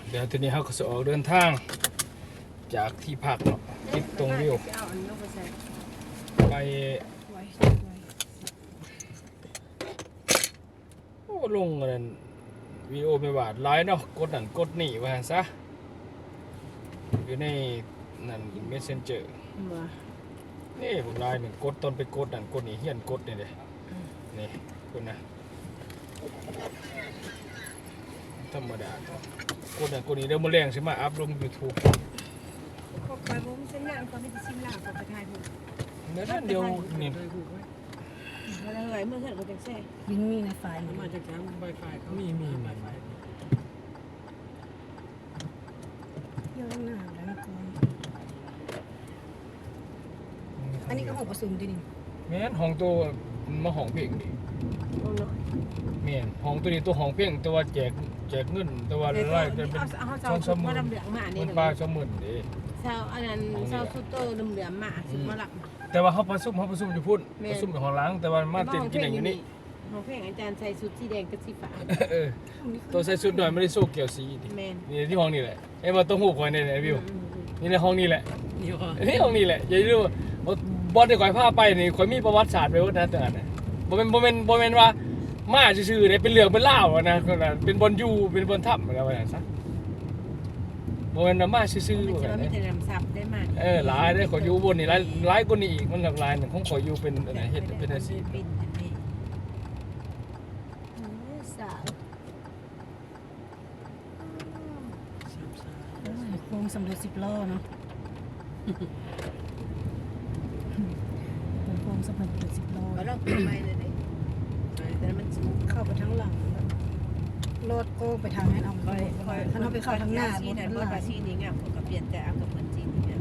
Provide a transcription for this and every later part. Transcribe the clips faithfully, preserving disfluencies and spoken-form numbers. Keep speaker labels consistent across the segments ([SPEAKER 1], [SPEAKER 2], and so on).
[SPEAKER 1] เดี๋ยวทีนี้เขาก็จะออกเดินทางจากที่พักเนาะทิศตรงวิวไปโอ้ลงกันวีโอไม่บาดไลน์เนาะกดนั่นกดนี่ว่าซะอยู่ในนั่นเมสเซนเจอร์นี่ผมไลน์หนึ่งกดตอนไปกดนั่นกดนี่เฮียนกดนี่เลยนี่คุณนะธรรมดากดนั่นกดนี่เดี๋ยวมาแรงใช่ไหมอัพลงยูทูบ
[SPEAKER 2] ก็ไปผมเส้นงานก็ไม่ได้ชิมลาบก็ไปถ่ายรูป
[SPEAKER 1] เดี๋ยวเดี๋ยวนี่
[SPEAKER 2] อะไรอะไรเมื่อเช้าก็จะแซ่ยิงมีในไฟ
[SPEAKER 3] มาจากแคมป์ไวไฟเขา
[SPEAKER 1] มีมีมี
[SPEAKER 2] เที่ยวหน้าแล้วก่อนอันนี้ก็ห้องประชุมดินี่
[SPEAKER 1] แม่นห้องตัวมาห้องเพลงดิแม่นห้องตัวนี้ตัวห้องเพลงตัวแจกแจกเงินตัวไล่เป็น
[SPEAKER 2] ช่องสมุน
[SPEAKER 1] มันปลาสมุนดิ
[SPEAKER 2] เช้าอันนั้นเช้าสุดโตเหลือมมาสิมาหลับ
[SPEAKER 1] แต่ว่าเขาประชุมเขาประชุมอยู่พุ่นประชุมอยู่ห้องล้างแต่ว่ามาเต้นกินอย่างนี้
[SPEAKER 2] ห้องเพลงอาจารย์ใส่ชุดสีแดงกับสีฟ้า
[SPEAKER 1] เออตัวใส่ชุดหน่อยไม่ได้โซ่เกี่ยวสีดินี่ที่ห้องนี้แหละเอ้มาต้องหูคอยในไหนวิวนี่ในห้องนี้แหละนี่ห้องนี้แหละอย่าลืมบอลที่คอยพาไปนี่คอยมีประวัติศาสตร์ไปว่านะแต่นั้นบ่เป็นบ่เป็นบ่เป็นว่ามาซื่อๆเนี่ยเป็นเรื่องเป็นเล่านะเป็นบอลยูเป็นบอลทับอะไรแบบนั้นซะบ่เป็นมาซื่อๆแบบ
[SPEAKER 2] นี้
[SPEAKER 1] เออหลายได้ขออยู่บนนี่หลายหลายกว่านี้อีกมันหลากหลายหนึ่งของขออยู่เป็นอะไรเฮ็ดเป็นอาชีพ
[SPEAKER 2] โค้งสำเร็จสิบล้อเนาะโค้งสำเร็จสิบล้อแล้วเราไปเลยเนี่ยแต่มันเข้าไปทั้งหลังรถก็ไปทางนั้นเอาไปถ้าเราไปเข้าทางหน้ารถนั้นรถอาชีพนี้เงี้ยผมก็เปลี่ยนแต่เอากับคนจีนเนี่ย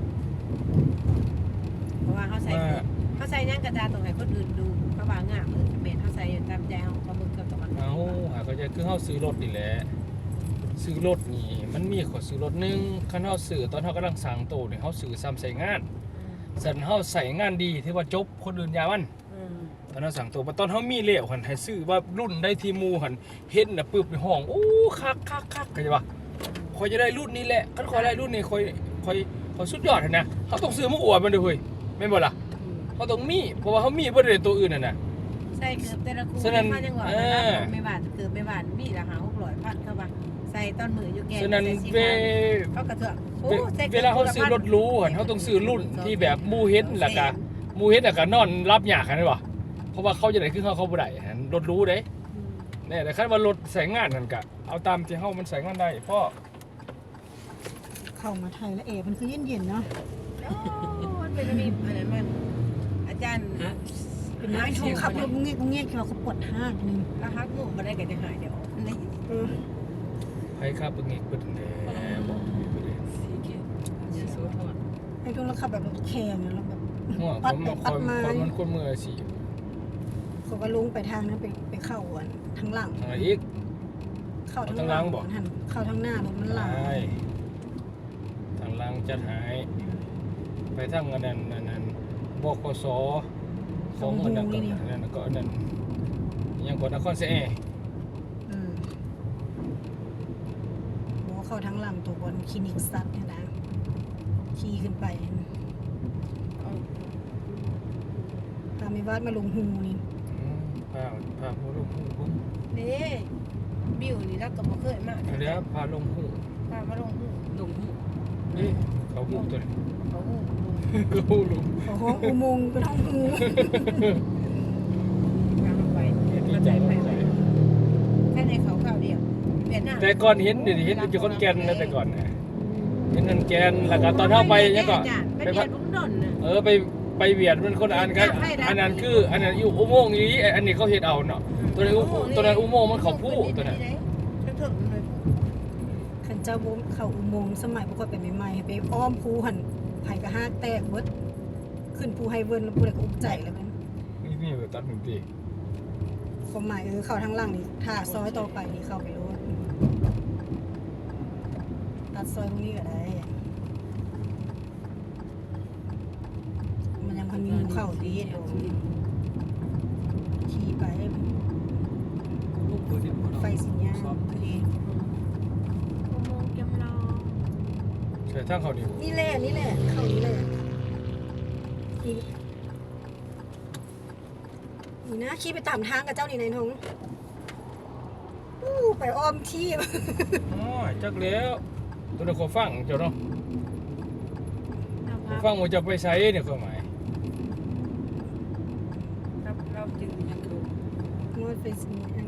[SPEAKER 2] เพราะว่าเขาใส่เขาใส่ย่างกระจาตรงไหนคนอื่นดูเขาว่างามเออเปลี่ยนเขาใส่ตามใจเขาเขาบึกกับตรงนั้น
[SPEAKER 1] เอาหาก็จะคือเขาซื้อรถนี่แหละซื้อรถนี่มันมีขอซื้อรถนึงคันเขาซื้อตอนเขากำลังสั่งโตเนี่ยเขาซื้อซ้ำใส่งานสันเขาใส่งานดีที่ว่าจบคนอื่นยามันตอนนั้นสั่งตัวตอนเขามีเลี้ยวหันให้ซื้อว่ารุ่นได้ทีมูหันเห็นนะปึ๊บในห้องโอ้คักคักคักกันจะว่าคอยจะได้รุ่นนี้แหละคันคอยได้รุ่นนี้คอยคอยคอยสุดยอดนะเขาต้องซื้อมาอวดมันด้วยเฮ้ยไม่หมดล่ะเขาต้องมีเพราะว่าเขามีบริเวณตัวอื่นน่ะนะ
[SPEAKER 2] ใส่เกือบแต่ละคู่มาจังหวะไม่บาดเกือบไม่บาดมีราคาหกร้อยพันเข้ามาใส่ตอนมืออยู่แก่
[SPEAKER 1] ฉะนั้นเว
[SPEAKER 2] เขากระเถอะ
[SPEAKER 1] เวลาเขาซื้อรถรู้หันเขาต้องซื้อรุ่นที่แบบมูเฮ็ดหลักการมูเฮ็ดหลักการนอนรับยากกันได้ป่ะเพราะว่าเขาจะได้ขึ้นเขาเขาบ่ได้รถรู้เด้เนี่ยแต่คันว่ารถใส่งานนั่นกะเอาตามที่เฮามันใส่งานได้พ่อ
[SPEAKER 2] เข้ามาไทยแล้วเอมันคือเย็นๆเนาะมันเป็นมีอันนั้นมันอาจารย์เป็นนายทงขับรถเงี้ยเงี้ยเขาปวดห้างนึงแล้วฮักงูมาได้กันจะหายเดี๋ยวนี่
[SPEAKER 1] ให้ครับเป็นงี้เป็นแน่บอกไปเลย
[SPEAKER 2] ไอ้ตรงเราขับแบบแข็งแล้วแบบ
[SPEAKER 1] ปัดไปปัดมามันคนมือสิ
[SPEAKER 2] เขาก็ลงไปทางนั้นไปไปเข้าอันทางหลัง
[SPEAKER 1] อะไรอีก
[SPEAKER 2] เข้าทางหลังบอกเข้าทางหน้ารถมันหลัง
[SPEAKER 1] ทางหลังจะหายไปทางนั้นนั้นบกสของอันนั้นก็นั่นก็นั่นยังกดนครเสอื
[SPEAKER 2] มบอกเข้าทางหลังตัวบนคลินิกสัตว์เนี่ยนะขี่ขึ้นไปพาไม่วาดมาลงหูนี่
[SPEAKER 1] พาพาลงหูผม
[SPEAKER 2] นี่บิวนี่แล้วก็บ่เคยมา
[SPEAKER 1] เดี๋ยวพาลงหู
[SPEAKER 2] พามาลงหู
[SPEAKER 3] ลงหู
[SPEAKER 1] นี่เขาหูตัวนี้
[SPEAKER 2] เขาหู
[SPEAKER 1] เขาหูลง
[SPEAKER 2] เขาห้องอุโมงค์เป็นห้องหูทางไป
[SPEAKER 1] ดีใจไป
[SPEAKER 2] แค่ในเขาเก่าเดียว
[SPEAKER 1] แต่ก่อนเห็นเดี๋ยวเห็นอยู่คนแก่นนะแต่ก่อนนะเห็นคนแก่นแล้วก็ตอนเข้าไปเนี่ยก็
[SPEAKER 2] ไปพัด
[SPEAKER 1] เออไปไปเวียดมันคนอ่านกันอันนั้นคืออันนั้นอยู่อุโมงค์นี้อันนี้เขาเห็ดเอาเนาะตัวนั้นตัวนั้นอุโมงค์มันเขาพูตัวนั้น
[SPEAKER 2] ขันเจ้าบุ้มเขาอุโมงค์สมัยพวกก็เป็นใหม่ๆไปอ้อมภูหันไผ่กระห้าแตกเบิดขึ้นภูไฮเวิร์นแล้วภูอะไรก็อุ้มใจแล้วมัน
[SPEAKER 1] นี่นี่แบบตัดหนึ่งที
[SPEAKER 2] ความหมายคือเขาทางล่างนี่ถ้าซอยต่อไปนี่เข้าไปรู้ตัดซอยตรงนี้ก็ได้มันยังพันมีเข้าดีเดี๋ยวขี่ไปไฟสีนี้พอดี
[SPEAKER 1] แต่ทางเขานี่
[SPEAKER 2] นี่แหละนี่แหละเข้านี่แหละอีกนี่นะขี่ไปตามทางกับเจ้านี่นายทงอู้ไปอ้อมที่
[SPEAKER 1] อ๋อจักแล้วตัวนี้ขอฟังเจ้าเนาะขอฟังว่าจะไปไสเนี่ยความหมาย
[SPEAKER 3] เราเราจึงยังคือ
[SPEAKER 2] งดไปสิอัน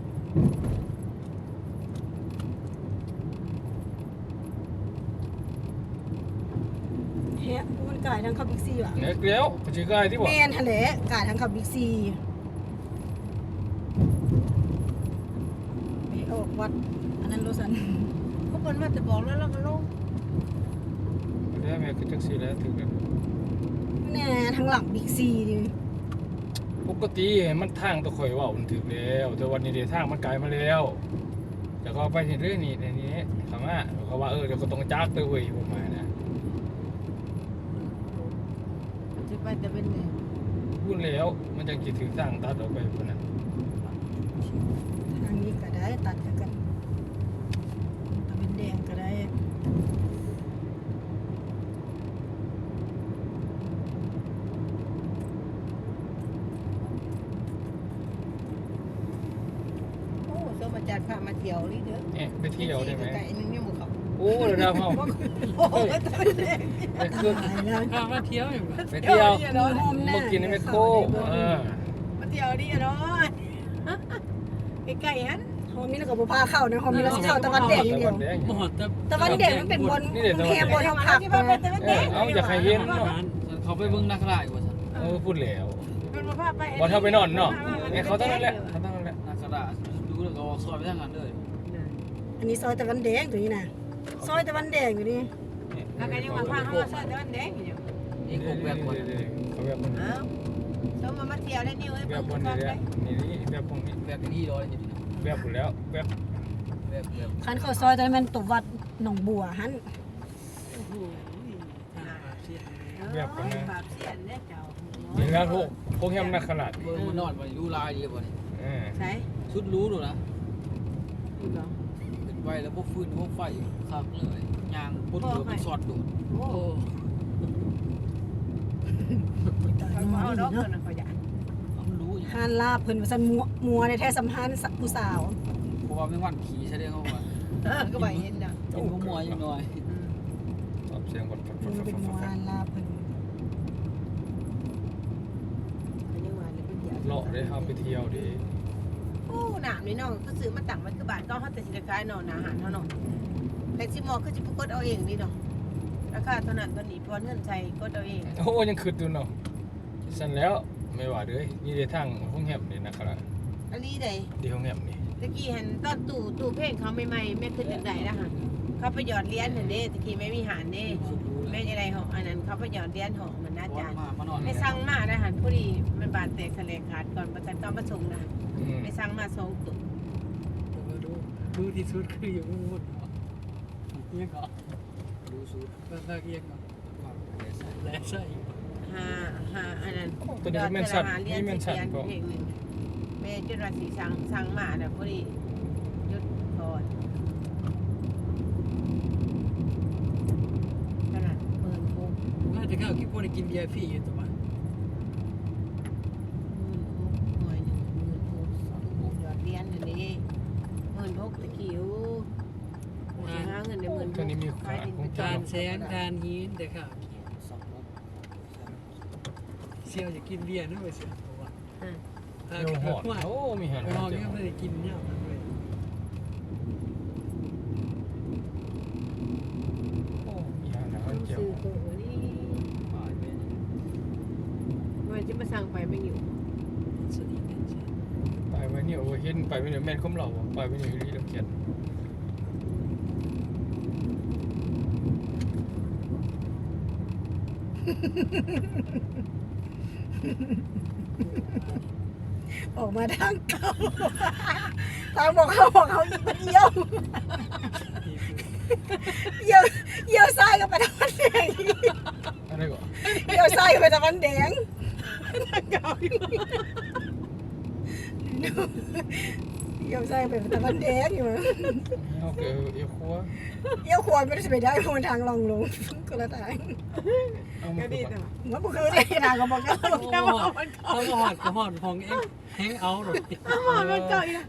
[SPEAKER 2] เฮ้ยมันกลายทางเข้าบิ๊กซีว่ะ
[SPEAKER 1] เนี่ยแล้วก็สิกายที่บ่
[SPEAKER 2] แม่นทะเลกลายทางเข้าบิ๊กซีไปออกวัดอันนั้นโลสัน
[SPEAKER 3] เขาเปิ้นว่าจะบอกแล้วเราก็ลง
[SPEAKER 1] แล้วแม่ก็จักสิแล้วถึงแล้ว
[SPEAKER 2] แน่ทางหลังบิ๊กซีดิ
[SPEAKER 1] ปกติมันทางตะข่อยเว้ามันถึกแล้วแต่วันนี้เดทางมันไกลมาแล้วแต่ก็ไปเห็นเรื่องนี้ในนี้คำว่าเขาว่าเออเดี๋ยวก็ต้องจักเลยเว้ยผมมานะ
[SPEAKER 3] จะไปแต่เป็นไง
[SPEAKER 1] พูดแล้วมันจะกี่ถึงทางตัดออกไปคนนั้น
[SPEAKER 2] ทางนี้ก็ได้ตัดกันตะเป็นแดงก็ได้
[SPEAKER 3] โอ้สมอาจารย์พามาเที่ยวนี่เด้อ
[SPEAKER 1] เนี่ยไปเที่ยวได้ไหม
[SPEAKER 3] ไก่นึงเนี่ยหมูเขา
[SPEAKER 1] โอ้เดี๋ยวนะพ่อ
[SPEAKER 3] โอ้ยตายแล้ว
[SPEAKER 1] ไปขึ้น
[SPEAKER 2] ตายแล้ว
[SPEAKER 4] พามาเที่ยวอยู่
[SPEAKER 1] ไปเที่ยว
[SPEAKER 3] เนาะ
[SPEAKER 1] มากินในแมคโครเออ
[SPEAKER 3] มาเที่ยวนี่เนาะไก่ฮัน
[SPEAKER 2] ฮอมมีแล้วก็บ่พาเข้านะฮอมมีแล้วสิเข้าตะวันแดงอย่างเดียว
[SPEAKER 1] ตะวันแดง
[SPEAKER 4] บ่ฮอดแต่
[SPEAKER 2] ตะวันแดงมันเป็นบน
[SPEAKER 1] นี่เดี๋ยว
[SPEAKER 2] กรุงเทพบนทาง
[SPEAKER 3] มา
[SPEAKER 2] ผัก
[SPEAKER 3] ที่
[SPEAKER 2] มา
[SPEAKER 3] บ้านเป็นตะวัน
[SPEAKER 1] เอ
[SPEAKER 3] แด
[SPEAKER 1] อง เอาอยากให้เห็นเนาะ
[SPEAKER 4] เขาไปเบิ่งนักราชว่าซั่น
[SPEAKER 1] เออพูดแล้ว
[SPEAKER 3] มันมาพาไป
[SPEAKER 1] บอลเท่าไปนอนเนาะเนี่ยเขาตั้งนั้นแหละเขาตั้งนั้นแหละ
[SPEAKER 4] นักราชดูแล้วก็ออกซอยไปทางนั้นเลย
[SPEAKER 2] อันนี้ซอยตะวันแดงตัวนี้นะซอยตะวันแดงอยู่นี่
[SPEAKER 3] แล้วก็ยังมาพาเขามาซอยตะวันแดงอยู่
[SPEAKER 4] นี่กบแบบว่า
[SPEAKER 1] เขาแบบคน
[SPEAKER 3] อ้าวสมมามาเที่ยวได้นี่เว้ย
[SPEAKER 1] แบบคนนี้เนี่ยนี่นี่แบบพวกนี้
[SPEAKER 4] แบบนี้ร้อยอยู่นี่
[SPEAKER 1] แบบหมดแล้วแบบ
[SPEAKER 4] แบบแบบ
[SPEAKER 2] คันเข้าซอยตะวันตัววัดหนองบัวหัน
[SPEAKER 4] โอ้โหทางปากเสีย
[SPEAKER 3] ปากเสียนเนี่ยเจ้า
[SPEAKER 1] นี่แล้วพวกพวกแฮมนักขนาด
[SPEAKER 4] เบิ่งมันนอนบ่รู้ลายดีบ่นี่
[SPEAKER 1] เออ
[SPEAKER 3] ใช่
[SPEAKER 4] สุดรู้ดูนะ
[SPEAKER 3] ดูเหรอ
[SPEAKER 4] เป็นไว้แล้วบ่ฟื้นบ่ไฟคักเลยยางพุดเดือเป็นสอดดู
[SPEAKER 3] โอ้
[SPEAKER 4] โอ้
[SPEAKER 3] เขาเอาดอกเงินเขาอยาก
[SPEAKER 4] มันรู้อยู่
[SPEAKER 2] หานลาบเพิ่นว่าซั่นมัวมัวในแท้สัมพันธ์ผู้สาว
[SPEAKER 4] เพราะว่าแม่งวันขี่แสดงว่า
[SPEAKER 3] ก็ไปเห็นนะ
[SPEAKER 4] กินมัวๆอยู่หน่อย
[SPEAKER 1] ตอบเสียงคนฟังฟั
[SPEAKER 2] มั
[SPEAKER 1] ง
[SPEAKER 2] นเป็น
[SPEAKER 1] ฟัง
[SPEAKER 2] มัว
[SPEAKER 1] ฟั
[SPEAKER 2] หาง นลาบเพิ่น
[SPEAKER 1] เลาะได้ครับไปเที่ยวดี
[SPEAKER 3] โอ้หนามนี่น้องก็ซื้อมาตั้งไว้คือบาทก็เขาแต่สินค้าเนาะอาหารเท่าเนาะแต่สิมอคือสิกดเอาเองนี่เนาะราคาเท่านั้นตอนนี้พอเงินใช้กดเอาเอง
[SPEAKER 1] โอ้ยังคืดอยู่เนาะสั่นแล้วไม่ว่าเลยนี่ในทางห้องแฮมนี่นะครับ
[SPEAKER 3] อันนี้เลย
[SPEAKER 1] ที่ห้องแฮมนี่
[SPEAKER 3] ตะกี้เห็นตอนตู้ตู้เพลงเขาใหม่ๆแม่ขึ้นจังไดนะคะเขาไปหยอดเหรียญเห็นเด้ตะกี้ไม่มีหารเด้
[SPEAKER 4] สุดรู้
[SPEAKER 3] แม่
[SPEAKER 4] แล้ว
[SPEAKER 3] ยังไงหองอันนั้นเขาไปหยอดเหรียญหองมันน่า
[SPEAKER 4] วั
[SPEAKER 3] จาน น
[SPEAKER 4] มามานอน
[SPEAKER 3] ไม่สั่งมาได้หันพอดีมันบาดแตกทะเลขาดก่อนประจันตอนประสงค์นะ
[SPEAKER 1] อืม
[SPEAKER 3] ไม่สั่งมาสองตุ่ม
[SPEAKER 4] ดูดูที่สุดคืออยู่มุดเอียงก็ดูสุดก็ตะเอียงก็แลใส่
[SPEAKER 3] ห้าห้าอันนั้น
[SPEAKER 1] ตัวนี้แม่นสัตว์
[SPEAKER 3] เหรีย
[SPEAKER 1] นี่
[SPEAKER 3] ญ
[SPEAKER 1] แม่น
[SPEAKER 3] สิ
[SPEAKER 1] สัต
[SPEAKER 3] เหรียญ
[SPEAKER 1] ว์ก็
[SPEAKER 3] เพลงหนึ่งแม่จุดราศีสั่งสั่งมาแต่พอดียุดก่อนขนาดเปิดโค้ง
[SPEAKER 4] น่าจะเข้าคิดว่าได้กินเบียร์ฟรีอยู่ตัวมัน
[SPEAKER 3] หมื่นหกหน่วยหนึ่งหมื่นหกสองหกยอดเหรียญอันนี้หมื่นหกตะคิวหาเงินในหมื่นหก
[SPEAKER 1] ตัวนี้มีขายของ
[SPEAKER 4] ทา
[SPEAKER 1] เจ้า
[SPEAKER 4] นแสงทานหินแต่ข้าวเซียวจะกินเบียร์นะไปเสียตัวว่า
[SPEAKER 1] เดี๋ยวหอดโอ้มีหัน
[SPEAKER 4] ไปห้องนี้ไม่ได้กินเนี่ยเลย
[SPEAKER 1] โอ้มีหันนะ
[SPEAKER 3] ซื้อ
[SPEAKER 1] เจ้า
[SPEAKER 3] ตัวนี้มันจะมาสั่งไปไม่อยู่
[SPEAKER 4] สนิทกันใช่
[SPEAKER 1] ไปไว้นี่โอ้เห็นไปไว้นี่แม่นคุ้มเราไปไว้นี่รีเราเขียน
[SPEAKER 2] ออกมาทางเก่าทางบอกเขาบอกเขาอีกมันเยี่ยวเยี่ยวเยี่ยวซ้ายก็ไปตะวันแดง
[SPEAKER 1] อะไรก่อน
[SPEAKER 2] เยี่ยวซ้ายก็ไปตะวันแดงทางเก่าอยู่เอี้ยวซ้ายไปตะวันแดงอยู่มั้ง
[SPEAKER 1] เอาเกอเอียวครัว
[SPEAKER 2] เอี้ยวขวาไม่ได้ไปได้เพราะมันทางลงลงก็ละทาง
[SPEAKER 1] เอา
[SPEAKER 3] ก็
[SPEAKER 1] มา
[SPEAKER 3] ดี
[SPEAKER 1] ดี
[SPEAKER 3] แต่
[SPEAKER 2] มันบ่คือได้ทางก็บอกก็
[SPEAKER 4] โอ้โหเขาก็หอดก็หอดของเองแฮงเอาหรอก
[SPEAKER 3] มันมันเก่าอีก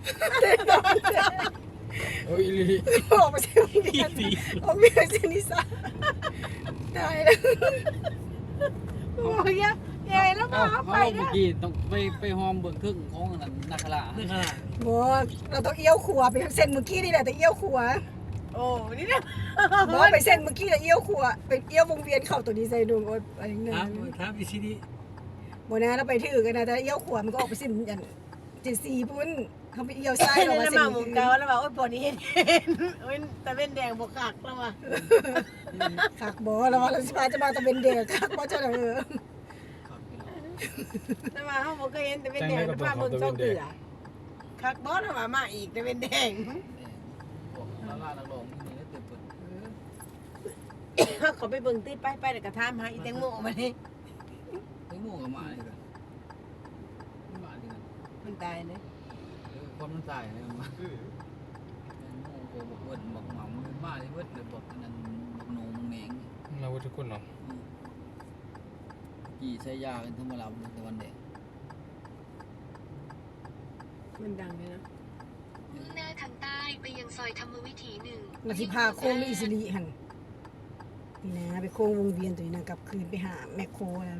[SPEAKER 1] เอ้ยอีหลี
[SPEAKER 2] ออกไปเส้นนี้ออกไปเส้นนี้ซะตายแล้ว
[SPEAKER 3] โอ้ยยายแล้วมา
[SPEAKER 5] เขา
[SPEAKER 3] ไป
[SPEAKER 5] เมื่
[SPEAKER 3] นะ
[SPEAKER 5] อกี้ต้องไปไปหอมเบิ่งครึ่งของอันนั้นนักขลา
[SPEAKER 4] นี่ขนาด
[SPEAKER 2] บอกเราต้องเอี้ยวขวาไปเส้นเมื่อกี้นี่แหละแต่เอี้ยวขวา
[SPEAKER 3] โอ้นี่นะ
[SPEAKER 2] บอกไปเส้นเมื่อกี้แต่เอี้ยวขวาไปเอี้ยววงเวียนเข้าตัวนี้ใส่ดวงโอ๊ยอะไรนั่น
[SPEAKER 4] ถามถามอีซีดี
[SPEAKER 2] บ่นะเราไปถือกันนะแต่เอี้ยวขวามันก็ออกไปเส้นอย่างเจ็ดสี่พุ่นเขาไปเอี้ยวซ้าย
[SPEAKER 3] แล้
[SPEAKER 2] เรา
[SPEAKER 3] ว
[SPEAKER 2] มา
[SPEAKER 3] มา
[SPEAKER 2] เส้น
[SPEAKER 3] หมุนเก่าแล้วว่าโอ้ยปอนี้เห็นโอ้ยแต่เป็นแดงบกคักแล้วว่ะ
[SPEAKER 2] คักบ่แล้วว่าเราสิพาจะมาตะเป็นเด็กคักบ่เจ้าเด้อ
[SPEAKER 3] แต่ว่าเขาบอกเคยเห็นแต่เป็นแดงแต่ภาพบนช่องเกลือคักบอสว่ามาอีกแต่เป็นแดง
[SPEAKER 5] บอกนักล่านักร้องนี่ได้เต็มเปิด
[SPEAKER 3] เขาไปเบิ่งตีไปไปแต่กระทามหาอีแตงโมมานี่
[SPEAKER 5] ไอ้หมู่กับหมานี่กันหมานี่กัน
[SPEAKER 3] มันตายเลย
[SPEAKER 5] เออความมันตายเลยมันไอ้หมู่ก็บอกเบิ้ลบอกหมามันบ้าเลยเบิ้ลเลยบอกอันนั้นบอกโหนงแหนง
[SPEAKER 1] เราทุกคนเนาะ
[SPEAKER 5] กี่ใช้ยากันทั้งมาลำตะวันแดง
[SPEAKER 3] มันดังเลยนะ
[SPEAKER 6] มุ่งหน้าทางใต้ไปยังซอยธรรมวิถีหนึ่ง
[SPEAKER 2] นาสิพาโค้งหรืออิสริหั่นนี่นะไปโค้งวงเวียนตัวนี้นะกลับคืนไปหาแมคโครแล้ว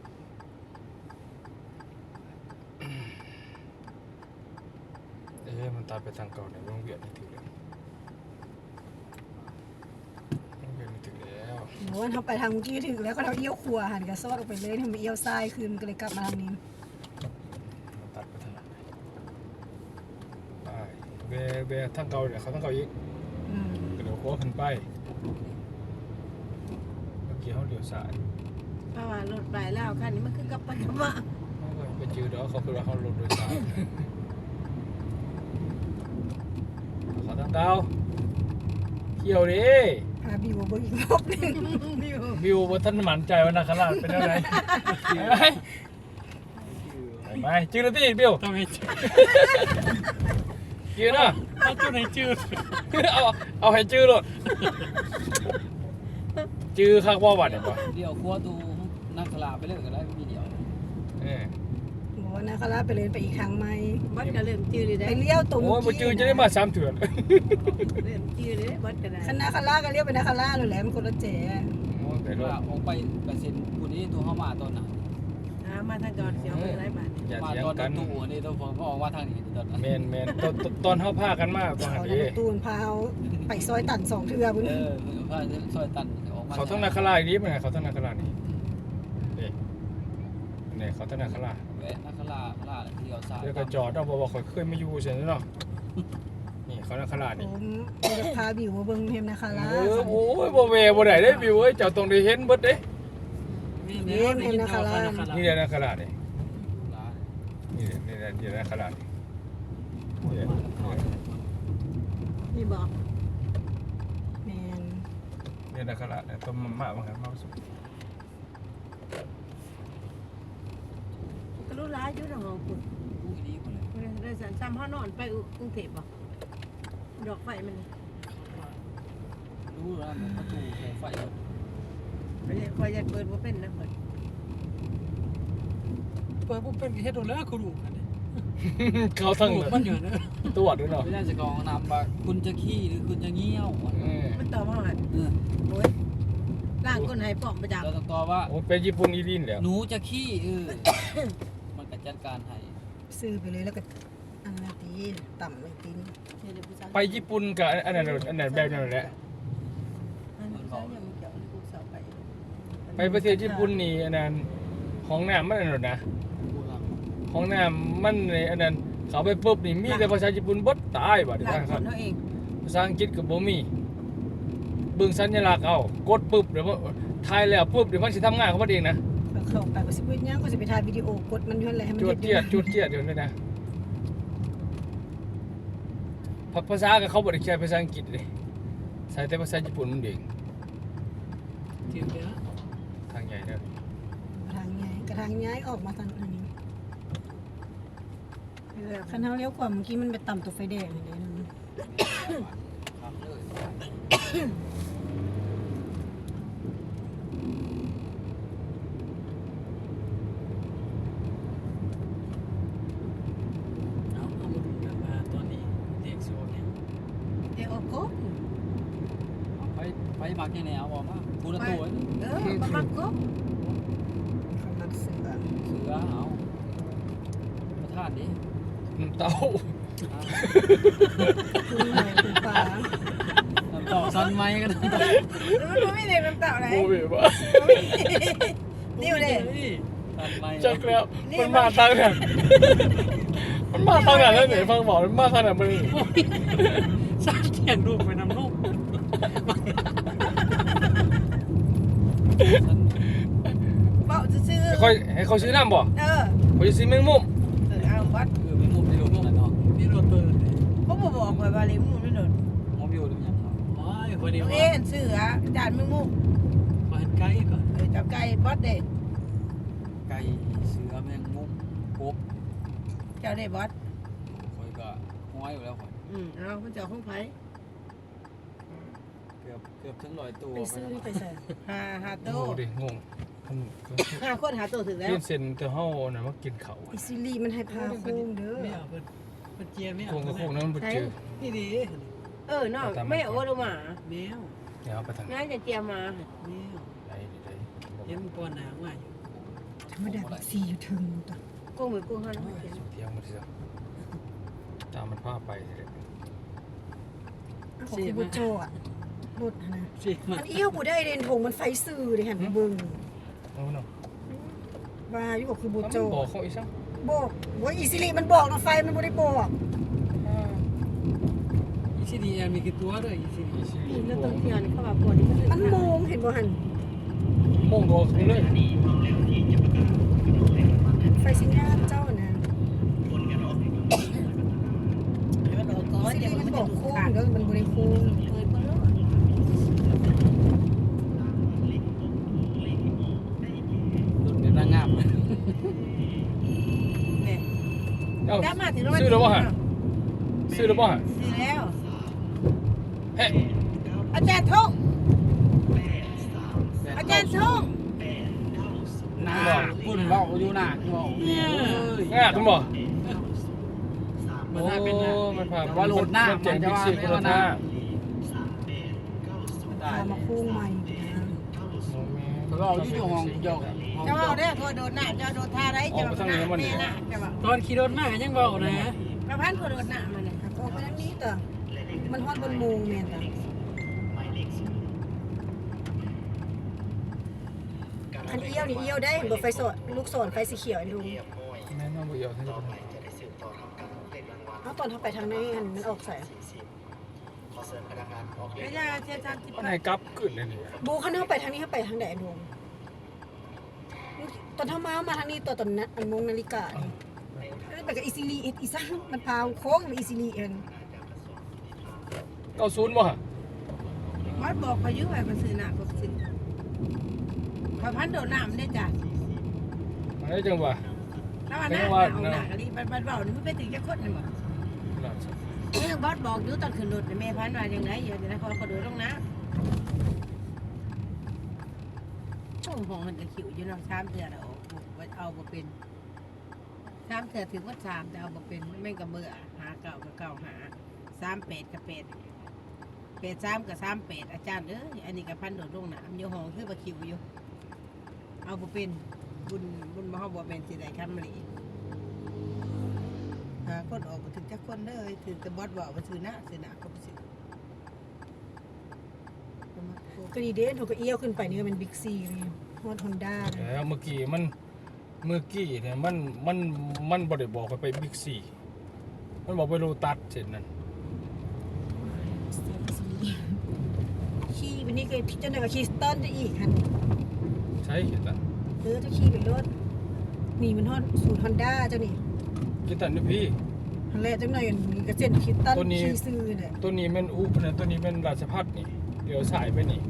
[SPEAKER 1] เอ้ยมันตัดไปทางเก่าในโรงเรียนนี่ถึงแล้วโรงเรียนนี่ถึงแล้ว
[SPEAKER 2] หนูว่าเขาไปทางเมื่อกี้ถึงแล้วก็เราเอี้ยวขวาหันกับซอดออกไปเลยทำไมเอี้ยวซ้ายคืนมันก็เลยกลับมาทางนี้
[SPEAKER 1] มันตัดไปทางไหนไปเบเบทางเก่าเนี่ยเขาทางเก่าอีก
[SPEAKER 2] อืม
[SPEAKER 1] กระโดดโค้งขึ้นไปเมื่อกี้เขาเลี้ยวซ้าย
[SPEAKER 3] เพราะว่ารถไปแล้วคันนี้มันคือกลับไปกลับมา
[SPEAKER 1] เขาก็ไปจืดแล้วเขาคือว่าเขาลดโดยสารเขาทางเก่าเขี่ยวดิ
[SPEAKER 2] พาบิวมาเบิ่งอีกรอบหนึง
[SPEAKER 1] วิวว่าท่านหมั่นใจว่านาคราชเป็นอะไรไปไปจืดเลยพี่บิว
[SPEAKER 4] ต้องให้
[SPEAKER 1] จืดเนาะ
[SPEAKER 4] เอาจุดไหนจืด
[SPEAKER 1] เอาเอาให้จืดเลยจืดข้างว่าวัดเนี่ยป่ะ
[SPEAKER 5] เดี๋ยวครัวตูนักขลาไปเลยก็ได้มีเดียว
[SPEAKER 1] เออ
[SPEAKER 2] บอกว่านาคาราไปเลยไปอีกทางไหม
[SPEAKER 3] บัดก็เริ่มจืดเลยได้
[SPEAKER 2] ไปเลี้ยวตรง
[SPEAKER 1] โอ้ยมาจืดจะได้มาสามเถื่อน
[SPEAKER 3] เริ่มจืดเลยบัดก็ได้
[SPEAKER 2] คันนาคาราก็เลี้ยวไปนาคาราเลยแหละมันคนละแจ๋
[SPEAKER 1] โอ้ยไป
[SPEAKER 5] แต่
[SPEAKER 1] รถ
[SPEAKER 5] ว่าออกไปกระเซ็นผู้นี้ตัวเข้ามาตอนนั้น
[SPEAKER 3] อ่ามาทางก่อนเสียวไปไรบาท
[SPEAKER 1] อย่า
[SPEAKER 5] มา
[SPEAKER 1] เถียง
[SPEAKER 5] ตอน
[SPEAKER 1] กัน
[SPEAKER 5] ตู้อันนี้ตัวผมก็ออกมาทางนี้ตอนนั้น
[SPEAKER 1] เมนเมนตอนตอนตอนเขาพากันมากว่า
[SPEAKER 2] เขา
[SPEAKER 1] ดี
[SPEAKER 2] จะตูนพาเอาไปซอยตันสองเทือพุ่น
[SPEAKER 5] เออมันก็พาซอยตันออกมา
[SPEAKER 1] เขาต้องนาคราชอีกนิดมั้ยเขาต้องนาคราชนี่นี่นี่เขาต้องนาคราช
[SPEAKER 5] แวะนักขลาขลาที่เอาสาย
[SPEAKER 1] เดี๋ยวก็จอดเอาบอกว่าเขาเคยมาอยู่เฉยๆเนาะนี่เขานาคราช
[SPEAKER 2] ผ
[SPEAKER 1] นี่
[SPEAKER 2] มจะพาบิวมาเบิ่งเทมนาคารา
[SPEAKER 1] เออโอ้ยบ่เวบ่ได้เด้บิวเอ้ยเจ้าต้องได้เห็นเบิดเด้
[SPEAKER 4] นี่เนี่ยได้ยินข่าวขนาดขนาด
[SPEAKER 1] นี่แหละนาคราชนี่
[SPEAKER 5] ร้าน
[SPEAKER 1] นี่แหละนี่แหละนี่แหละนาคราชนี่นี่แหละ
[SPEAKER 3] นี่บอก
[SPEAKER 2] แมน
[SPEAKER 1] นี่นาคราชเนี่ยต้มมาม่าบางครั้งมาสุก
[SPEAKER 3] ก็รู้ร้ายอยู่ดอกของคุณ
[SPEAKER 5] ผู้ดีคนเลย
[SPEAKER 3] ได้สันซ้ำห้านอนไปกรุงเทพบ่ดอกไฟมัน
[SPEAKER 5] รู้แล้วมันประตูโคมไฟ
[SPEAKER 3] ไม่ได้คอยจะเปิดว่าเป็นนะเปิด
[SPEAKER 4] เปิดปุ๊บเป็นเฮ็ดโดนแล้วคุณดูกันเนี่ย
[SPEAKER 1] เขาทั้ง
[SPEAKER 4] มันอยู่เนอะ
[SPEAKER 1] ตัวด้วยเนาะ
[SPEAKER 5] ไม่ได้จะกองนำว่าคุณจะขี้หรือคุณจะเงี้ยว
[SPEAKER 1] เออ
[SPEAKER 3] มันต่อมาหัน
[SPEAKER 5] เออ
[SPEAKER 3] โอ้ยล่างก้นให้ปอกประจับ
[SPEAKER 5] เราต้องตอบว่า
[SPEAKER 1] โอ้เป็นญี่ปุ่นอีดินแล้ว
[SPEAKER 5] หนูจะขี้เออมันก็จัดการให้
[SPEAKER 2] ซื้อไปเลยแล้วก็อันนั้นตีต่ำเลยตีน
[SPEAKER 1] ไปญี่ปุ่นกับอันนั้นอันนั้นแบบนั้นแหละ ไปประเทศญี่ปุ่นนี่อันนั้นห้องน้ำมันอันนั้นนะ
[SPEAKER 5] ผู้หลัง
[SPEAKER 1] ห้องน้ำมันในอันนั้นเขาไปปุ๊บนี่มีแต่ภาษาญี่ปุ่นบดตายบัดนี้
[SPEAKER 3] ล่าง
[SPEAKER 1] ค
[SPEAKER 3] ค
[SPEAKER 1] รั
[SPEAKER 3] น
[SPEAKER 1] บ
[SPEAKER 3] เขาเอง
[SPEAKER 1] ภาษาอังกฤษก็บ่มีเบิ่งสัญลักษณ์เอากดปุ๊บเดี๋ยวว่าทายแล้วปุ๊บเดี๋ยวมันสิทำงานของมันเองนะ
[SPEAKER 2] แล้วเข้าไปก็สิเฮ็ดหยังก็สิไปถ่ายวิดีโอกดมันอยู่นั่นแหละให้มัน
[SPEAKER 1] จว
[SPEAKER 2] เฮ็
[SPEAKER 1] ด
[SPEAKER 2] ด
[SPEAKER 1] เจียดจวดเจียดเดี๋ยวนี้นะภาภาษาก็เขาบ่ได้ใช้ภาษาอังกฤษเลยใช้แต่ภาษาญี่ปุ่นมันเอง
[SPEAKER 4] เทียบเลยนะ
[SPEAKER 1] ทางใหญ่เด้อ
[SPEAKER 2] ทางย้ายกระทางย้ายออกมาทางอันนี้คันเฮาเลี้ยวขวาเมื่อกี้มันไปต่ำตัวไฟแดงเลยนะ
[SPEAKER 5] ครับเลย
[SPEAKER 4] เอาเอามาดูกันว่าตอนนี้เรียกโซนเนี่ย
[SPEAKER 3] เดี๋ยวโอ้โห
[SPEAKER 5] ไปไปมักยังไงเอาบอกมาพูดตัว
[SPEAKER 3] เออประมาณก็
[SPEAKER 2] เขามักเสือ
[SPEAKER 5] เสือเอาประทานดิ
[SPEAKER 1] น้ำเต้า
[SPEAKER 2] คือหน่อยคือปลา
[SPEAKER 5] น้ำต่อซันไหมกัน
[SPEAKER 3] มันไม่ได้น้ำเต่าไหน
[SPEAKER 1] โอ้ยว่า
[SPEAKER 3] นี่เลย
[SPEAKER 5] ซันไหม
[SPEAKER 1] จักแล้วมันมาทางไหนมันมาทางไหนแล้วไหนฟังบอกมันมาทางไหนมึง
[SPEAKER 4] สร้างเขียนรูปไปนำลูก
[SPEAKER 3] เบาซื่อ
[SPEAKER 1] ให้ค่อยให้เขาซื้อน้ำบ่
[SPEAKER 3] เออ
[SPEAKER 1] เขาจะซื้อแมงมุม
[SPEAKER 3] เออเอาวัด
[SPEAKER 5] คือเป็นมุมที่โดนนั่นเนาะ
[SPEAKER 4] นี่รถเปิดเลย
[SPEAKER 3] เขาบอกบอกไว้ว่าเลยมึงไม่โดน
[SPEAKER 5] มองวิวหรือยังครับ
[SPEAKER 4] โอ้ยคนนี้
[SPEAKER 3] น้อง
[SPEAKER 4] ว่า
[SPEAKER 3] เอ็นซื้ออ่ะจานมึงมุก
[SPEAKER 4] ขอเห็นไกด์ก่อน
[SPEAKER 3] เออจับไก่บอสเด็ด
[SPEAKER 5] ไก่เสือแมงมุมกบ
[SPEAKER 3] เจ้าได้บอส
[SPEAKER 5] คอยก็ห้อยอยู่แล้วคอย
[SPEAKER 3] อืมเอาคุณเจ้าของไผ่
[SPEAKER 5] เกือบเกือบถึงร้อยตัว
[SPEAKER 2] ไปซื้อไปใส่
[SPEAKER 3] หาหาโต
[SPEAKER 1] โอ้ดิงงมัน
[SPEAKER 3] หาคนหาโตถึงแล้ว
[SPEAKER 1] เลียนเส้นแต่เฮาน่ะมากินเขา
[SPEAKER 2] อิซิลีมันให้พาโค้งเด้อ
[SPEAKER 4] ไม่เอาเพิ่นเพิ่นเจียไม่เอา
[SPEAKER 1] โค้งกับโค้งนั้นมันบ่เจอ
[SPEAKER 4] นี่ดี
[SPEAKER 3] เออเนาะไม่โอ้ลงมา
[SPEAKER 4] แมว
[SPEAKER 1] เดี๋ยวเอาไปทางไหน
[SPEAKER 3] ง่ายจะเจียมา
[SPEAKER 4] แมว
[SPEAKER 1] ไหนไหน
[SPEAKER 4] เห็นมันปอนหนางว่าอยู่
[SPEAKER 2] ธรรมดาบิ๊กซีอยู่ถึงตัว
[SPEAKER 3] กุ้งมือกุ้งหัน
[SPEAKER 1] เที่ยวมาสิซะตามมันพาไปเถอะ
[SPEAKER 2] ของคือบุโจอ่ะรถนะ
[SPEAKER 4] สิมา
[SPEAKER 2] มันเอี้ยวกูได้เดนทงมันไฟซื่อเลยหันไปเบิ่ง
[SPEAKER 1] เอาเนาะ
[SPEAKER 2] ว่าอยู่กับคือบุ
[SPEAKER 1] มัน
[SPEAKER 2] โจ
[SPEAKER 1] บอกเขาอีกซัง
[SPEAKER 2] บอกว่าอิซิลีมันบอกนะไฟมันบ่ได้บอก
[SPEAKER 4] อีซีดีแอมมีกี่ตัวด้วยอีซีดี
[SPEAKER 3] นี่แล้วต้นเทียนเข้ามาปวดนี่
[SPEAKER 2] มันโมงเห็นบ่หัน
[SPEAKER 1] โม่งบอกเลย
[SPEAKER 2] ไฟสัญญาณเจ้านะ
[SPEAKER 3] มันบอกก่อน
[SPEAKER 2] อิซิ
[SPEAKER 3] เดี๋ยว
[SPEAKER 2] ลี
[SPEAKER 3] มั
[SPEAKER 2] มัน น
[SPEAKER 3] บบ อ
[SPEAKER 2] อก ก
[SPEAKER 3] โค้
[SPEAKER 2] โค้
[SPEAKER 3] ง
[SPEAKER 2] งเด้อมันบ่ได้โค้ง
[SPEAKER 3] เคยบ่รู้
[SPEAKER 5] รถเป็นนางงาม
[SPEAKER 3] เนี่ย
[SPEAKER 1] เอ้า
[SPEAKER 3] ได้มาถึง
[SPEAKER 1] ซื้อแล้วบ่ฮะซื้อแล้วบ่ฮะ
[SPEAKER 3] ซื้อแล้ว
[SPEAKER 1] เฮ้
[SPEAKER 3] อาจารย์ทงอาจารย์ทง
[SPEAKER 5] หน้าคุณเบาอยู่หน้าคุณเบา
[SPEAKER 1] ง่ายคุณบอก
[SPEAKER 4] มัน
[SPEAKER 1] โอ้
[SPEAKER 4] น่าเป็นนะ
[SPEAKER 1] มันผ่าน
[SPEAKER 5] ว่าโหลดหน้า
[SPEAKER 1] เจ๋ง
[SPEAKER 5] มันจะ
[SPEAKER 1] บิ๊ก
[SPEAKER 5] ว่า
[SPEAKER 1] ซี
[SPEAKER 5] ไม่
[SPEAKER 1] โคโร
[SPEAKER 5] ว่าหน้า
[SPEAKER 1] นา
[SPEAKER 5] ได้
[SPEAKER 2] พามาโค้งใหม่นะ
[SPEAKER 5] เขาเอาอยู่ห้องยก
[SPEAKER 3] เจ้าเอาได้ตัวโดนหน้าเจ้าโดนท่าไรเจ้าหน้าแม่น่ะเจ้าบอก
[SPEAKER 4] ตอนขี่รถมาก็ยังเบานะ
[SPEAKER 3] พระพันธ์คนโดนหน้ามันเนี่ย
[SPEAKER 2] ออกไปทางนี้ต่อมันฮอดบนโมงแม่นต่อคันเอี้ยวนี่เอี้ยวได้เห็นบ่ไฟสดลูกศรไฟสีเขียวอันดู
[SPEAKER 1] แม่น้องบุญยอดท่านจะเป็น
[SPEAKER 2] เอาตอนเขาไปทางไหนอันมันออกใส่
[SPEAKER 3] ไม่ใช่เชี่ยวชาญที่
[SPEAKER 1] วันไหนกลับขึ้นเลยนี่
[SPEAKER 2] บูคันเขาไปทางนี้เขาไปทางไหนอันดูตอนเท้ามามาทางนี้ตัวตอนนั้นอันมงนาฬิกาแล้วไปกับอีซิลีอีซังมันพาโค้งไปอีซิลีเอง
[SPEAKER 1] เก้าศูนย์บ่ฮะ
[SPEAKER 3] วัดบอกพายุไปมันซื้อหน้าก็ซื้อพระพันธ์โดนหน้ามันได้จ้ะ
[SPEAKER 1] มันได้จังหวะ
[SPEAKER 3] แล้วมันหน้าเอาหน้ากันดิมันเบาเนี่ยมันไปถึงจะคดเลยหมดนี่บอสบอกอยู่ตอนขึ้นรถแม่พันธ์ว่าอย่างไรอย่างนี้เขาเขาโดนลงน้ำช่วงของมันจะขิวอยู่เนาะสามเถื่อเราเอาบ่เป็นสามเถื่อถึงว่าสามแต่เอาบ่เป็นไม่กับเบื่อหาเก่ากับเก่าหาสามเป็ดกับเป็ดเป็ดสามกับสามเป็ดอาจารย์เอ้ยอันนี้กับพันโดดลงน้ำอยู่ห้องคือบ่ขิวอยู่เอาบ่เป็นบุญบุญมาเฮาบ่เป็นสิได้คำนี้หาคนออกบ่ถึงจักคนเลยถึงแต่บอสบอกว่าซื้อหน้าซื้อหน้าก็บ่ซื้อ
[SPEAKER 2] ก็ดีเด่นเขาก็เอี้ยวขึ้นไปนี่ก็เป็นบิ๊กซีเลยฮอดฮอนด้า
[SPEAKER 1] แล้วเมื่อกี้มันเมื่อกี้เนี่ยมันมันมันบ่ได้บอกไปไปบิ๊กซีมันบอกไปโลตัสเสร็จนั่น
[SPEAKER 2] ขี่วันนี้ก็พี่เจ้าหน้าก็ขี่สตันจะอีกหัน
[SPEAKER 1] ใช่เห็นตัน
[SPEAKER 2] เออจะขี่ไปรถนี่มันฮอดสูตรฮอนด้าเจ้านี่
[SPEAKER 1] คิดตันนี่พี่
[SPEAKER 2] ทันแรกจังหน่อยมีกระเซ็นคิดตัน
[SPEAKER 1] ตัวนี้
[SPEAKER 2] ขี่ซื้อเนี่ย
[SPEAKER 1] ตัวนี้แม่นอุปนะตัวนี้แม่นราชพัฒน์นี่เดี๋ยวสายไปนี่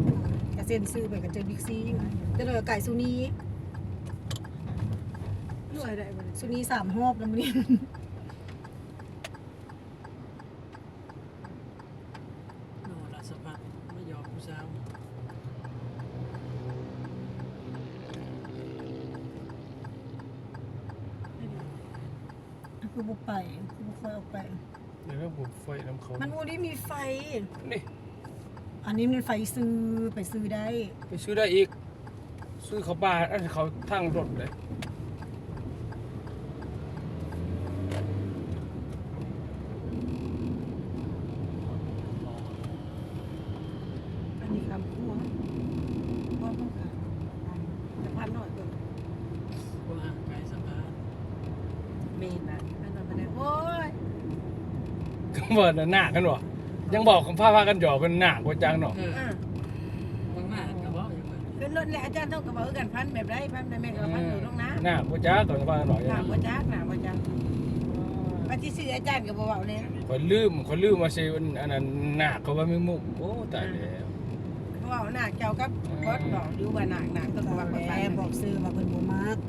[SPEAKER 2] กระเซ็นซื้อไปกับเจอบิ๊กซีเจ้าหน่อยไก่ซูนี
[SPEAKER 3] หน่วยได้บ่
[SPEAKER 2] สุนีสามหอบแล้วมื้อนี้
[SPEAKER 4] โน่ละสะพัดไม่ยอมผู้สาว
[SPEAKER 2] คือบ่ไปคือบ่ค่อยออกไป
[SPEAKER 1] เดี๋ยวผมไฟน้ำเขา
[SPEAKER 2] มันบ่ได้มีไฟ
[SPEAKER 1] นี่
[SPEAKER 2] อันนี้มันไฟซื้อไปซื้อได้
[SPEAKER 1] ไปซื้อได้อีก ซื้อเขาบ้านอันเขาทั้งรถเลย
[SPEAKER 3] อันนี้คำพูดพ่อต้องการจะพันหน่อยเบิ่ง
[SPEAKER 4] ว่าห่างไกลสะพาน
[SPEAKER 3] เมนน่ะอันนั้นมันได้โอ้ย
[SPEAKER 1] ก็บอกน่ะหนักกันวะยังบอกคำพาพากันหยอกกันหนักกว่าจังเนาะ
[SPEAKER 4] เออ
[SPEAKER 3] อ่ะ
[SPEAKER 4] บางมากก็บอกอย่างนั้น
[SPEAKER 3] ขึ้นรถแล้วอาจารย์ต้องกระเป๋ากันพันแบบไรพันได้แม่ก็พันอยู่ตรงนั้น
[SPEAKER 1] หนักกว่าจักก่อนคำพากันหน่อย
[SPEAKER 3] หนาบ่จักหนาบ่จักปฏิเสธอาจารย์ก็บ่เว้าเลย
[SPEAKER 1] คนลืมคนลืมมาเซนอันนั้นหนักเขาว่าไม่มุ่งโอ้ตายแล้ว
[SPEAKER 3] เว้าหนักเจ้ากับบอสบอกอยู่ว่าหนักหนักต้องระวัง
[SPEAKER 2] แม่
[SPEAKER 3] ไป
[SPEAKER 2] บอกซื้อว่าเพิ่นบ่มัก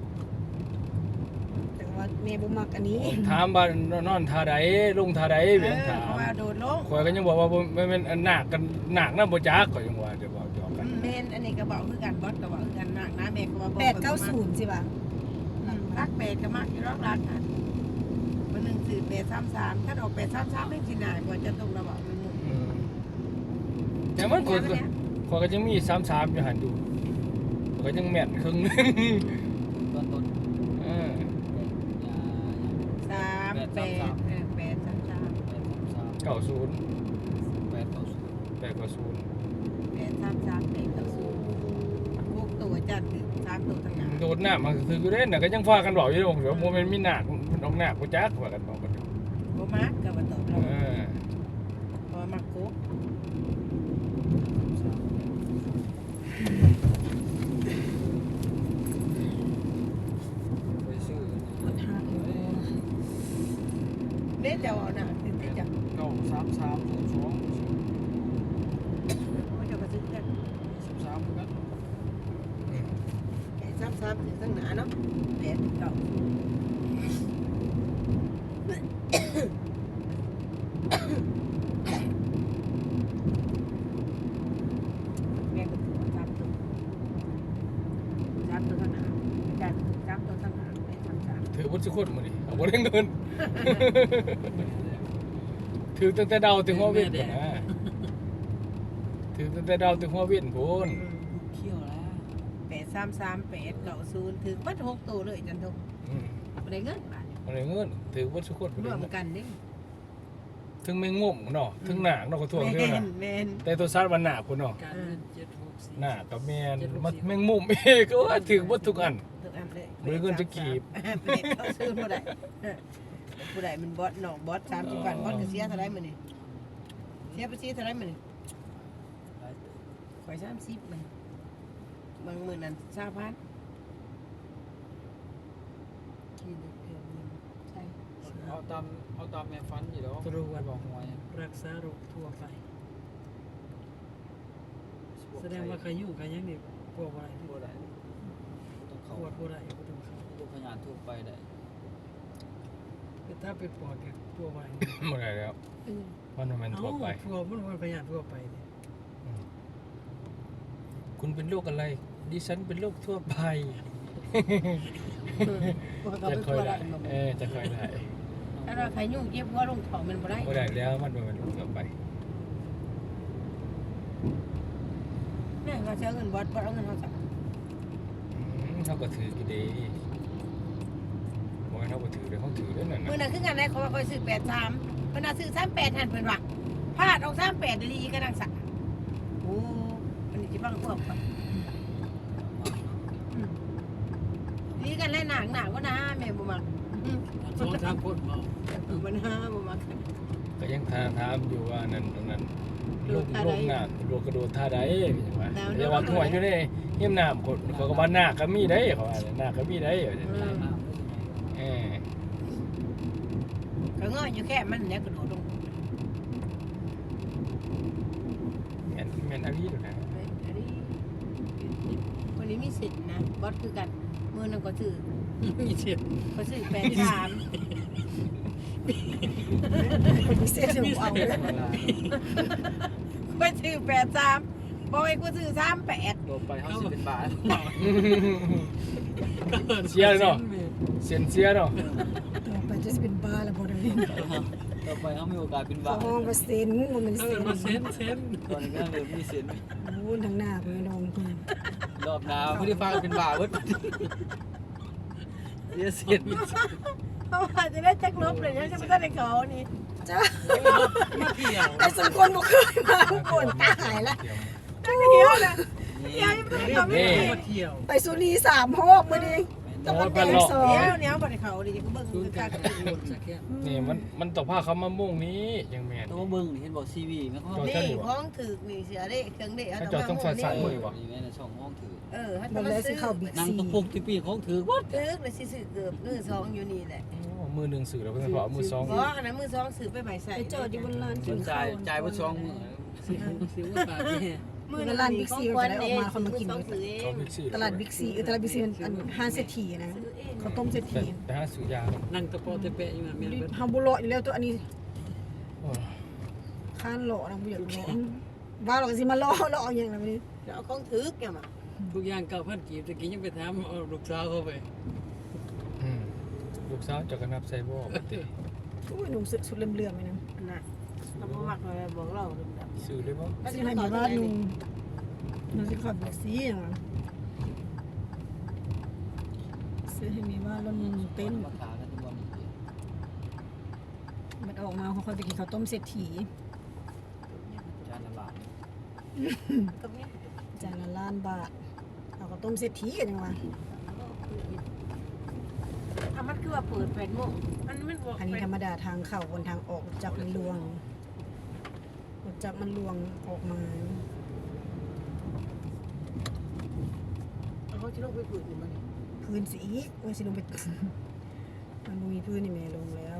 [SPEAKER 2] แต่ว่าแม่บ่มักอันนี้
[SPEAKER 1] ถามบ้านนอนท่าใดลงท่าใด
[SPEAKER 3] เอ
[SPEAKER 1] เบียง
[SPEAKER 3] อ
[SPEAKER 1] ถาม
[SPEAKER 3] เพราะว่าโดดลง
[SPEAKER 1] คอยก็ยังบอกว่าไม่เป็นหนักกันหนักนะบ่จักก็ยังว่าจะบอกหยอกกัน
[SPEAKER 3] เมนอันนี้ก็บอกคือกันบอสก็บอกคือกันหนักนะแม่ก็ว่า
[SPEAKER 2] แปดเก้าศูนย์สิบ่ะ
[SPEAKER 3] รักเป็ดก็มักอยู่รอบรักอ่ะวันหนึ่งสื่อเป็ดสามสามถ้าออกเป็ดสามสามไม่สิหน่ายกว่าจะตรงระบอกมันมุม
[SPEAKER 1] อืมแต่มันคนก็คอยก็ยังมีสามสามอยู่หันอยู่ข้อยก็ยังแม่นครึ่งหนึง
[SPEAKER 5] ตอนต้น
[SPEAKER 1] เออ
[SPEAKER 5] ยา
[SPEAKER 3] สามเป็ดเออเป็ดสามสาม
[SPEAKER 5] แปดสาม
[SPEAKER 1] เก้าศูนย์
[SPEAKER 5] แปดเก้าศูนย์
[SPEAKER 1] แปดเก้าศูนย์
[SPEAKER 3] เป็ดสามสามเป็ดเก้าศูนย์พวกตัวจันทร์สามตัวต่างหาก
[SPEAKER 1] โดดหน้ามันคืออยู่เด้น่ะก็ยังพากันบอกอยู่ว่าโมเมนต์มีหนักมันออกหนักบ่จักว่ากันบอกกันอยู่
[SPEAKER 3] โบมาร์กกับวันตก
[SPEAKER 1] เอ
[SPEAKER 3] เรา
[SPEAKER 1] อ
[SPEAKER 3] พอมาคุก
[SPEAKER 5] ไปซื้อ
[SPEAKER 3] เด็ดจะเอาหน่ะติดติดจะ
[SPEAKER 5] เก้าสามสามศูนย์สอง
[SPEAKER 3] เขาจะมาซื้อกัน
[SPEAKER 5] สิบสามเหมือนกัน
[SPEAKER 3] เป็ดสามสามถึงตั้งหนาเนาะเป็ดเก่าแม่ก็ถือว่าสามตัวสามตัวต่างหากจันสามตัวต่างหากเป็ดสามสาม
[SPEAKER 1] ถือวุฒิคนมื้อนี้เอาบ่ได้เงิน ถือตั้งแต่เดาถึงหัวเวียนพุ่นนะถือตั้งแต่เดาถึงหัวเวียนพุ่น
[SPEAKER 5] เที่ยวแล้ว
[SPEAKER 3] เป็ดสามสามเป็ดเก่าศูนย์ถึงมัดหกตัวเลยจันทุก
[SPEAKER 1] อืม
[SPEAKER 3] ไม่ได้เงินบาท
[SPEAKER 1] บ่ได้เงินถือวุฒิคน
[SPEAKER 3] รวมกันนี่
[SPEAKER 1] ถึงไม่งมเนาะถึงหนักเนาะก็ทั่ว
[SPEAKER 3] เม
[SPEAKER 1] เท่าน น่ะ
[SPEAKER 3] เมน
[SPEAKER 1] แต่ตัวซัดมันหนักพุ่นเนาะ
[SPEAKER 4] การเงินเจ็ดหกสี่
[SPEAKER 1] หนักกับแม่นมันแม่งมุมเองก็ว่าถือบ่ทุกอัน
[SPEAKER 3] ทุกอันเลย
[SPEAKER 1] บ่ได้เงินจะกีบ
[SPEAKER 3] เป็ดเขาซื้อผู้ใดผู้ใดมันบอสน้องบอสสามสิบวันบอสก็เสียเท่าไรมื้อนี่เสียไปเสียเท่าไรมื้อนี่ข่อยสามสิบมันบางมื้อนั้นสามพันกินเกือบหนึ่งใช่
[SPEAKER 5] เอาตามเอาตามแม่ฟันอยู่แล้วบอกหวย
[SPEAKER 4] รักษาโรคทั่วไป แสดงว่าใครอยู่ใครยังนี่พวกอะไรที่
[SPEAKER 5] บ่ได้ต้อง
[SPEAKER 4] ป
[SPEAKER 5] เข้าว
[SPEAKER 4] ดปวดอะไรก็ต้องเข้า
[SPEAKER 5] ลูกพยานทั่วไปได้
[SPEAKER 4] แต่ถ้าเป็นปวดเนี่ยพวกอะไร
[SPEAKER 1] บ่ได้แล้ว มันบ่แม่นทั่วไป
[SPEAKER 4] ทั่วมันมันพยานทั่วไปเนี่ย
[SPEAKER 1] คุณเป็นโรคอะไร ดิฉันเป็นโรคทั่วไป
[SPEAKER 3] พวกเขา
[SPEAKER 1] จะ
[SPEAKER 3] ไป
[SPEAKER 1] ค่อย
[SPEAKER 3] ทั่ว
[SPEAKER 1] ได้
[SPEAKER 3] ได้
[SPEAKER 1] เออจะค่อยได้
[SPEAKER 3] ถ้าเราใครยุ่งเจ็บหัวลงท้องมันบ่ได้
[SPEAKER 1] บ่ได้แล้วมันบ่แม่นโรคทั่วไป
[SPEAKER 3] เนี่ยเราจะเอาเงินบอสบอสเอาเงินเขาจับ
[SPEAKER 1] อืมเขาก็ถือกี่ดีบ่ให้เขาก็ถือเลยเขาถือแล้วนั่น
[SPEAKER 3] เมื่อ
[SPEAKER 1] น่ะ
[SPEAKER 3] นั้นคืองานไหนเขาว่าคอยซื้อแปดสามเมื่อนั้นซื้อสามแปดหันเพิ่นว่าพลาดออกสามแปดดีก็ดังสักโอ้มันนี่จะบ้างพวกก่อนอืมดีกันแล้วหนักหนักว่านะแม่บ่มักอืม
[SPEAKER 4] สองสามคนเมา
[SPEAKER 3] เออมันห้าบ่มัก
[SPEAKER 1] ก็ยังถามถามอยู่ว่านั่นนั่น
[SPEAKER 3] โด
[SPEAKER 1] ลู
[SPEAKER 3] ด
[SPEAKER 1] ก
[SPEAKER 3] ท่า
[SPEAKER 1] ลู
[SPEAKER 3] ใด
[SPEAKER 1] กหน้าโดดกระโดดท่าใดจังว่า
[SPEAKER 3] แล้ว
[SPEAKER 1] เดี๋ยวว่าหัวอยู่ในเฮียมน้ำคนเขาก็ว่าหน้าก็มีได้เขาว่าหน้าก็มีได้ว่าจัง
[SPEAKER 3] อื
[SPEAKER 1] ว่า
[SPEAKER 3] ม
[SPEAKER 5] น้ำได้ยังไง
[SPEAKER 1] เออ
[SPEAKER 3] ก็ง้ออยู่แค่มันเนี่ยกระโดดลง
[SPEAKER 1] แม่นแม่นอาลีดูนะ
[SPEAKER 3] อันนี้คนนี้มีสิทธิ์นะบอสคือกันมือนึงก็ซื้อ
[SPEAKER 4] มีเสียง
[SPEAKER 3] เขาซื้อแปดสาม
[SPEAKER 2] พิเศษเดี๋ยวเอาเลย
[SPEAKER 3] เขาซื้อแปดสามบอกให้กูซื้อสามแปด
[SPEAKER 5] โดนไปเขาสิเป็นบาท
[SPEAKER 1] เสียเลยเนาะเสียนเสียเนาะ
[SPEAKER 2] ต่อไปจะเป็นบ้าแล้วบ่ได้
[SPEAKER 5] ต่อไปเขามีโอกาสเป็น
[SPEAKER 2] ส
[SPEAKER 5] บาท
[SPEAKER 2] องเปอร์เซ็นต์มันเป็น
[SPEAKER 4] เอ
[SPEAKER 2] เซ็
[SPEAKER 4] อน มาเซ็นเซ็น
[SPEAKER 5] ตอนนี้ก็เริ่มมีเสียง
[SPEAKER 2] โอ้ทางหน้าเพิ่นน้องเพิ่น
[SPEAKER 5] รอบหน้าไม่ได้ฟังเป็นบาทเว้ยเสียเสียง
[SPEAKER 3] เพราะว่าจะได้แจ็คลบเลยนะจะไม่ได้ในเขานี่
[SPEAKER 2] จ้า
[SPEAKER 4] มาเที่ยว
[SPEAKER 2] ไอ้สมควรบ่เคยมาก่อนตายละ
[SPEAKER 3] จักเดียวนะเดี๋ยวยังไม่ได้เขาไม่
[SPEAKER 1] นี่
[SPEAKER 3] ได้
[SPEAKER 4] มาเที่ยว
[SPEAKER 2] ไปสุรีสามโฮกมื้อนี้ตะวันแดงสอง
[SPEAKER 3] เดี๋ยวเดี๋ยวบ่ได้เขาดิจะเบิ่ง
[SPEAKER 4] ศูน
[SPEAKER 3] คื
[SPEAKER 4] ย์
[SPEAKER 3] อ
[SPEAKER 4] กั
[SPEAKER 3] กาน ร
[SPEAKER 4] กับรถสักแค่
[SPEAKER 1] นี่มันมันต้องพาเขามามุ่งนี้อย่างแม่น
[SPEAKER 5] ตัวเบิ้งนี่เห็นบอกซีวีไหมเขา
[SPEAKER 1] จอด
[SPEAKER 3] นี่ของถือนี่เสียได้เครื่องเด็ก
[SPEAKER 1] เขาจอดต้องใส่สายมือวะ
[SPEAKER 5] นี่ไงในช่องห้องถือ
[SPEAKER 3] เออถ้า
[SPEAKER 2] บ่
[SPEAKER 3] จะ
[SPEAKER 2] ได้
[SPEAKER 3] มา
[SPEAKER 2] สิ
[SPEAKER 3] ซื้อ
[SPEAKER 2] เข้าบิ๊ก
[SPEAKER 5] นาง
[SPEAKER 2] ซี
[SPEAKER 5] ตะปุกที่ปีของถือวัด
[SPEAKER 3] ซื้อเลยสิซื้อเกือบมือสองอยู่นี่แหละ
[SPEAKER 1] โอ้มือหนึ่งสื่อแล้วเพื่อนพอเอามือสอง
[SPEAKER 3] เพราะอันนั้นมือสองซื้อไปใหม่ใส่
[SPEAKER 2] ไปจอดอยู่บนลาน
[SPEAKER 5] สนใจจ่ายว่าช่องมือ
[SPEAKER 4] สิบสิบาทนี่
[SPEAKER 3] มือร้านบิ๊กซีก็ได้ออกมาคนมากินซื้อเอ
[SPEAKER 1] เขา
[SPEAKER 3] ง
[SPEAKER 1] บิ๊กซี
[SPEAKER 2] ตลาดบิ๊กซีเออตลาดบิ๊กซีมันอันห้าเศรษฐีนะข้าวต้มเศรษ
[SPEAKER 1] ไป
[SPEAKER 2] ฐี
[SPEAKER 1] ไปหาซื้อยาครับ
[SPEAKER 4] นั่งตะโปตะเปะอยู่นะเมียน
[SPEAKER 2] เฮาบ่เลาะอยู่แล้วตัวอันนี้
[SPEAKER 1] โอ้
[SPEAKER 2] ค้านเลาะนะบ่อยากเลาะว่าเราก็สิมาเลาะเลาะเอาอย่างนั้นนี่
[SPEAKER 3] เดี๋ยวเอาของถือแกมา
[SPEAKER 4] ทุกอย่างเก้าพันกีบตะกี้ยังไปถามเอาลูกสาวเข้าไป
[SPEAKER 1] อืมลูกสาวเจะกันนับไซบอร์ปติ
[SPEAKER 2] โอ้ยหนุ่มสุดเหลื่อมๆไปนะ
[SPEAKER 3] น่ะเราบ่มักเลยบอกเราดึงดับ
[SPEAKER 1] ซื้อได้บ่
[SPEAKER 2] สิให้มีบ้านนุ่มเราสิขับบิ๊กซีอย่างนั้นซื้อให้มีบ้านแล้วนุ่มเต้น
[SPEAKER 5] มาขากันทุกวัน
[SPEAKER 2] มันออกมาเขาค่อยไปกินข้าวต้มเศรษฐี
[SPEAKER 5] จานละบาท
[SPEAKER 3] ตรงนี้
[SPEAKER 2] จานละล้านบาทเอาข้าวต้มเศรษฐีกันยังวะ
[SPEAKER 3] อ่ะมันคือว่าเปิดแปดโมงมันมันบอก
[SPEAKER 2] อันนี้ธรรมดาทางเข้าบนทางออกรถจักรมันลวงรถจักรมันลวงออกมา
[SPEAKER 3] เขาจะลงไปเปิดอยู่มัน
[SPEAKER 2] พื้นสีอีกมันสิลงไป มันบ่มีพื้นนี่แม่ลงแล้ว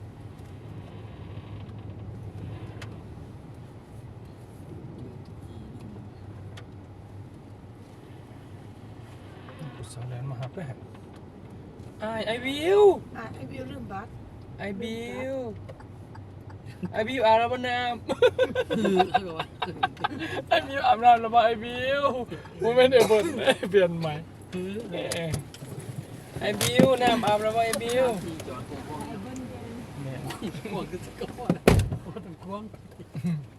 [SPEAKER 1] ลูกสาวแลนมาหับด้วยฮะไอไอวิว
[SPEAKER 3] อ่ะไอ้บิวลืมบัตร
[SPEAKER 1] ไอบิวไอบิวอาบน้ำน้
[SPEAKER 4] คือเขาบอกว่า
[SPEAKER 1] ำไอบิวอาบน้ำแล้วบ่ไอบิวผมไม่ได้เปิดเปลี่ยนใหม่
[SPEAKER 4] คือ
[SPEAKER 1] แหม่ไอบิวน้ำอาบแล้วบ่ไอบิว
[SPEAKER 5] ที่จอดโค้ง
[SPEAKER 1] แหม่
[SPEAKER 4] พวกคือสกอตโอ้ต้องควง